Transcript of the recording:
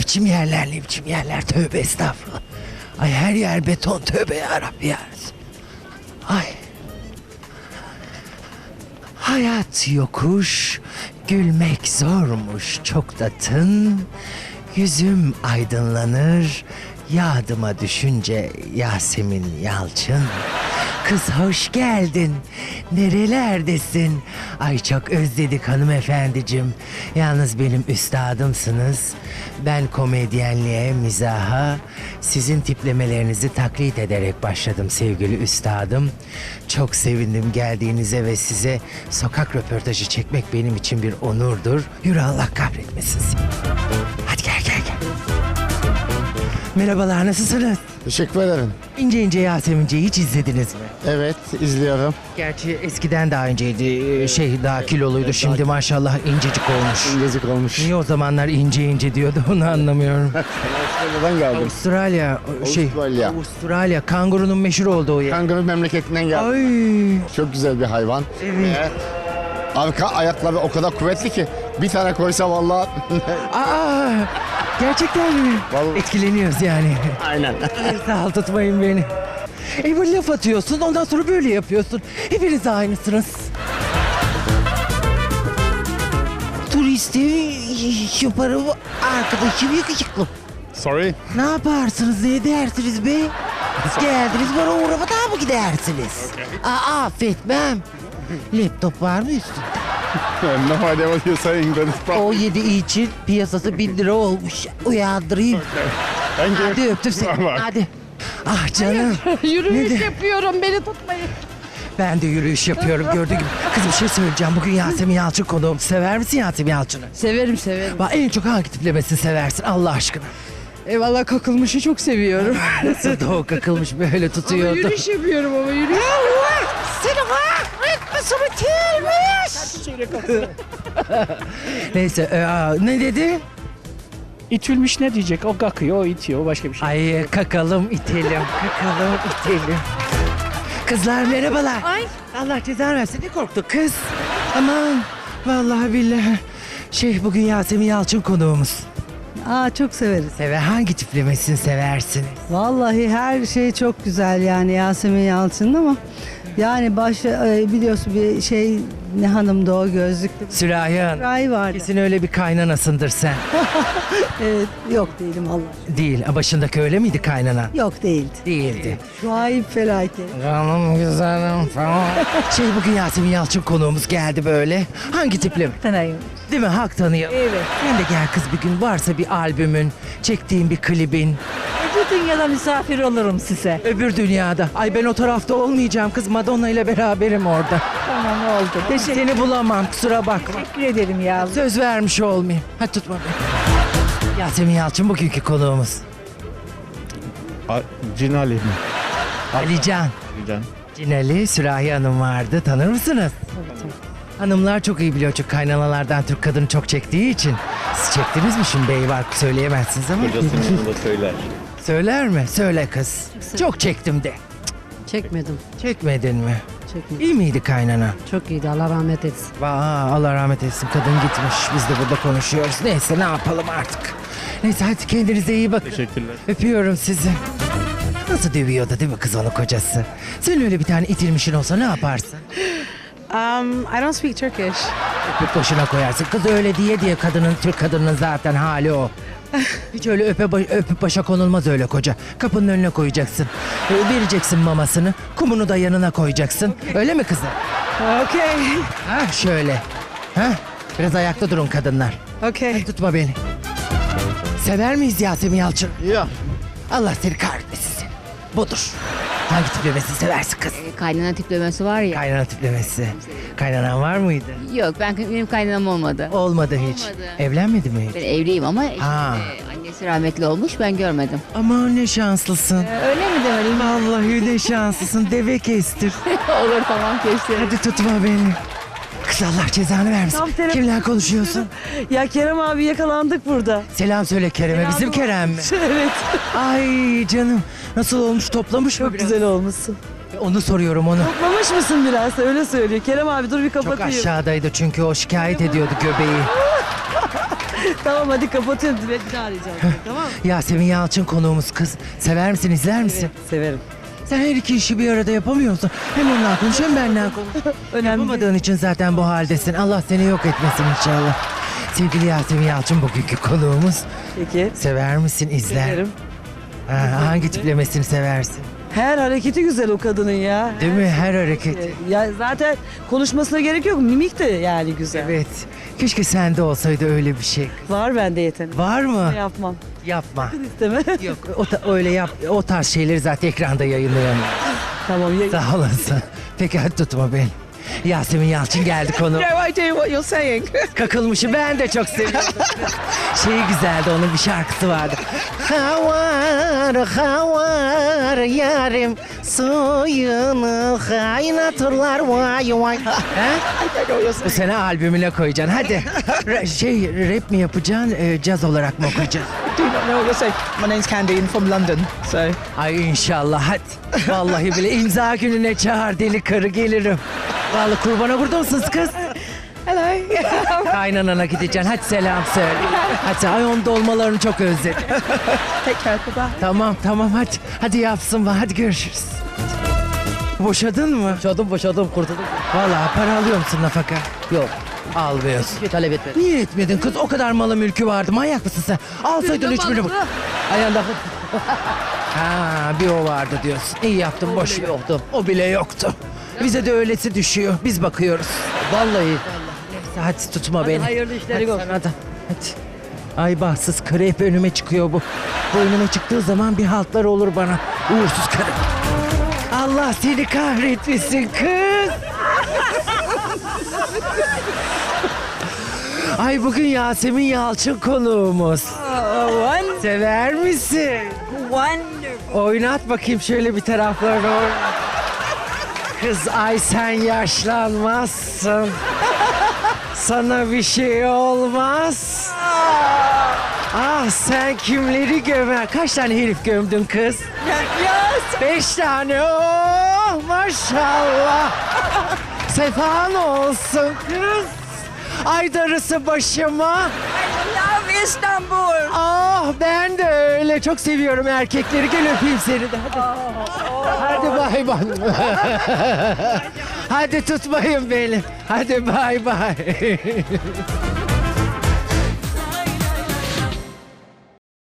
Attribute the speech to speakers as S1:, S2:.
S1: biçim yerler, ne biçim yerler, tövbe estağfurullah. Ay her yer beton, tövbe yarabbi ya. Ay. Hayat yokuş, gülmek zormuş çok da tın. Yüzüm aydınlanır, yadıma düşünce Yasemin Yalçın. Kız hoş geldin. Nerelerdesin? Ay çok özledik hanımefendicim. Yalnız benim üstadımsınız. Ben komedyenliğe, mizaha, sizin tiplemelerinizi taklit ederek başladım sevgili üstadım. Çok sevindim geldiğinize ve size sokak röportajı çekmek benim için bir onurdur. Yürü Allah kahretmesin seni. Hadi gel gel gel. Merhabalar, nasılsınız?
S2: Teşekkür ederim.
S1: İnce İnce Yasemince'yi hiç izlediniz mi?
S2: Evet, izliyorum.
S1: Gerçi eskiden daha inceydi, daha kiloluydu. Şimdi maşallah incecik olmuş.
S2: İngilizce olmuş.
S1: Niye o zamanlar ince ince diyordu onu anlamıyorum.
S2: Avustralya'dan geldim.
S1: Avustralya,
S2: Avustralya.
S1: Avustralya, kangurunun meşhur olduğu yer.
S2: Kanguru memleketinden geldim.
S1: Ay,
S2: Çok güzel bir hayvan.
S1: Evet.
S2: Ve arka ayakları o kadar kuvvetli ki bir tane koysa vallahi
S1: aa, gerçekten mi?
S2: Vallahi.
S1: Etkileniyoruz yani.
S2: aynen.
S1: Sağ ol, tutmayın beni. Bu laf atıyorsun, ondan sonra böyle yapıyorsun. Hepiniz aynısınız. Turisti yaparım, arkadaşım yakışıklı.
S2: Sorry.
S1: Ne yaparsınız, ne edersiniz be? Geldiniz bana uğramadan mı gidersiniz? Aa, affetmem. Laptop var mı üstünde?
S2: No idea what you're saying, but it's
S1: O 7 için piyasası 1000 lira olmuş. Uyandırayım.
S2: Thank you.
S1: Hadi öptüm seni.
S2: Bye.
S1: Hadi. Ah canım.
S3: Yürüyüş
S1: Nedir?
S3: yapıyorum, beni tutmayın.
S1: Ben de yürüyüş yapıyorum gördüğün gibi. Kız bir şey söyleyeceğim. Bugün Yasemin Yalçın konuğum. Sever misin Yasemin Yalçın'ı?
S3: Severim severim.
S1: Bak en çok hangi tiplemesini seversin Allah aşkına?
S3: Eyvallah, kakılmışı çok seviyorum.
S1: Nasıl da o kakılmış böyle
S3: Ama
S1: tutuyordu.
S3: yürüyüş yapıyorum ama yürüyüş.
S1: Seni kahretmesin bitirmiş. Neyse ne dedi?
S4: İtülmüş ne diyecek? O kakıyor, o itiyor, o başka bir şey.
S1: Ay kakalım itelim, kakalım itelim. Kızlar merhabalar.
S3: Ay.
S1: Allah cezanı versin, ne korktu kız? Aman vallahi billahi. Bugün Yasemin Yalçın konuğumuz.
S5: Aa, çok severiz.
S1: Hangi tiplemesini seversiniz?
S5: Vallahi her şey çok güzel yani Yasemin Yalçın'ın ama yani biliyorsun bir şey, ne hanımdı o, gözlüklü
S1: Sürahi
S5: Ray vardı.
S1: Kesin öyle bir kaynanasındır sen.
S5: Evet, yok değilim Allah.
S1: Değil. Başındaki öyle miydi kaynana?
S5: Yok değildi.
S1: Değildi.
S5: Şu ayıp felaket.
S1: Canım güzelim falan. Bugün Yasemin Yalçın konuğumuz geldi böyle. Hangi tipleme?
S5: Tanıyım.
S1: Değil mi? Hak tanıyor.
S5: Evet.
S1: Sen de gel kız bir gün. Varsa bir albümün, çektiğin bir klibin.
S5: Bu dünyada misafir olurum size.
S1: Öbür dünyada. Ay ben o tarafta olmayacağım kız. Madonna ile beraberim orada.
S5: Tamam, oldu.
S1: Seni bulamam, kusura bakma.
S5: Teşekkür ederim ya.
S1: Söz vermiş olmayayım. Hadi tutma beni. Yasemin Yalçın bugünkü konuğumuz.
S2: Cinali mi?
S1: Alican.
S2: Can.
S1: Cinali, Sürahi Hanım vardı. Tanır mısınız? Hanımlar çok iyi biliyor çünkü kaynanalardan Türk kadını çok çektiği için. Siz çektiniz mi şimdi bey var söyleyemezsiniz ama.
S6: Kocasının da söyler.
S1: Söyler mi? Söyle kız. Çok çektim de.
S7: Çekmedim.
S1: Çekmedin mi?
S7: Çekmedim.
S1: İyi miydi kaynana?
S7: Çok iyiydi. Allah rahmet etsin.
S1: Allah rahmet etsin, kadın gitmiş. Biz de burada konuşuyoruz. Neyse ne yapalım artık. Neyse hadi kendinize iyi bakın.
S6: Teşekkürler.
S1: Öpüyorum sizi. Nasıl dövüyordu değil mi kız onu kocası? Senin öyle bir tane itilmişin olsa ne yaparsın?
S3: I don't speak Turkish.
S1: Öpüp başına koyarsın. Kız öyle diye kadının, Türk kadının zaten hali o. Hiç öyle öpüp başa konulmaz öyle koca. Kapının önüne koyacaksın. Vereceksin mamasını. Kumunu da yanına koyacaksın. Öyle mi kızım?
S3: Okay.
S1: Ha şöyle. Ha? Biraz ayakta durun kadınlar.
S3: Okay.
S1: Tutma beni. Sever miyiz Yasemin Yalçın?
S2: Ya.
S1: Allah seni kahretmesin seni. Budur. Hangi tiplemesini seversin kız?
S8: Kaynana tiplemesi var ya.
S1: Kaynana tiplemesi. Kaynanan var mıydı?
S8: Yok, benim kaynanam olmadı.
S1: Olmadı hiç.
S8: Olmadı.
S1: Evlenmedi mi hiç?
S8: Ben evliyim ama
S1: Ha.
S8: annesi rahmetli olmuş, ben görmedim.
S1: Aman ne şanslısın.
S8: Öyle mi demeliyim?
S1: Vallahi ne şanslısın. Deve kestir.
S8: Olur, tamam, kesin.
S1: Hadi tutma beni. Kız Allah cezanı vermesin.
S5: Tam telefon-
S1: Kimle konuşuyorsun?
S5: Ya Kerem abi, yakalandık burada.
S1: Selam söyle Kerem'e. Bizim Kerem mi?
S5: Evet.
S1: Ay canım. Nasıl olmuş, toplamış mı
S5: Çok
S1: biraz?
S5: güzel olmuşsun.
S1: Onu soruyorum onu.
S5: Toplamış mısın biraz? Öyle söylüyor. Kerem abi dur bir
S1: Çok
S5: kapatayım.
S1: aşağıdaydı çünkü o şikayet ediyordu göbeği.
S6: Tamam hadi kapatıyorum. Bir daha arayacağım. Tamam mı?
S1: Yasemin Yalçın konuğumuz kız. Sever misin, izler misin?
S6: Severim.
S1: Sen her iki işi bir arada yapamıyorsun. Hem onunla konuş hem benimle konuş.
S6: Önemli değil.
S1: Yapamadığın için zaten bu haldesin. Allah seni yok etmesin inşallah. Sevgili Yasemin Yalçın bugünkü konuğumuz.
S6: Peki.
S1: Sever misin, izler?
S6: Severim.
S1: Hangi tiplemesini seversin?
S6: Her hareketi güzel o kadının ya.
S1: Değil mi? Her hareketi.
S6: Ya zaten konuşmasına gerek yok. Mimik de yani güzel.
S1: Evet. Keşke sende olsaydı öyle bir şey.
S6: Var bende yetenek.
S1: Var mı?
S6: Yapmam.
S1: Yapma.
S6: İsteme.
S1: Yok. Öyle yap. O tarz şeyleri zaten ekranda yayınlayamam.
S6: Tamam.
S1: Sağ olasın. Peki hadi tutma beni. Yasemin Yalçın geldi konu.
S3: No idea what you're saying.
S1: Kakılmışı ben de çok seviyorum. Şeyi güzeldi, onun bir şarkısı vardı. Havar yarim suyunu kaynatırlar vay vay. He? Bu sene albümüne koyacaksın hadi. Rap mi yapacaksın, caz olarak mı okuyacaksın?
S3: Do not know what you're saying. My name's Candy and from London. So
S1: Ay inşallah hadi. Vallahi bile imza gününe çağır deli karı gelirim. Vallahi kurbana burada mısınız kız?
S3: hello.
S1: Kaynanana gideceksin. Hadi selam söyle. Hadi ay onun dolmalarını çok özledim.
S3: Take care. Bye.
S1: Tamam hadi. Hadi yapsın var. Hadi görüşürüz. Boşadın mı?
S7: Boşadım kurtuldum.
S1: Vallahi para alıyor musun nafaka?
S7: Yok.
S1: Almıyorsun.
S7: Hiçbir talep etmedim.
S1: Niye etmedin kız? O kadar malı mülkü vardı. Manyak mısın sen? Alsaydın hiçbirini.
S7: Ayağında
S1: Ha bir o vardı diyorsun. İyi yaptın boş ver.
S7: yoktu.
S1: O bile yoktu. Bize de öylesi düşüyor. Biz bakıyoruz.
S7: Vallahi.
S1: Neyse hadi tutma beni.
S7: hayırlı işleri
S1: Hadi
S7: olsun.
S1: sana da. Hadi. Ay bahtsız karı hep önüme çıkıyor bu. Bu önüme çıktığı zaman bir haltlar olur bana. Uğursuz karı. Allah seni kahretmesin kız. Ay bugün Yasemin Yalçın konuğumuz. Sever misin? Oynat bakayım şöyle bir taraflarını oynat. Kız ay sen yaşlanmazsın. Sana bir şey olmaz. Ah sen kimleri gömer? Kaç tane herif gömdün kız? 5 tane. Oh maşallah. Sefan olsun kız. Ay darısı başıma.
S3: Love Istanbul.
S1: Ah ben de öyle. Çok seviyorum erkekleri. Gel öpeyim seni de. Hadi. Hadi bay bay. Hadi tutmayın beni. Hadi bay bay.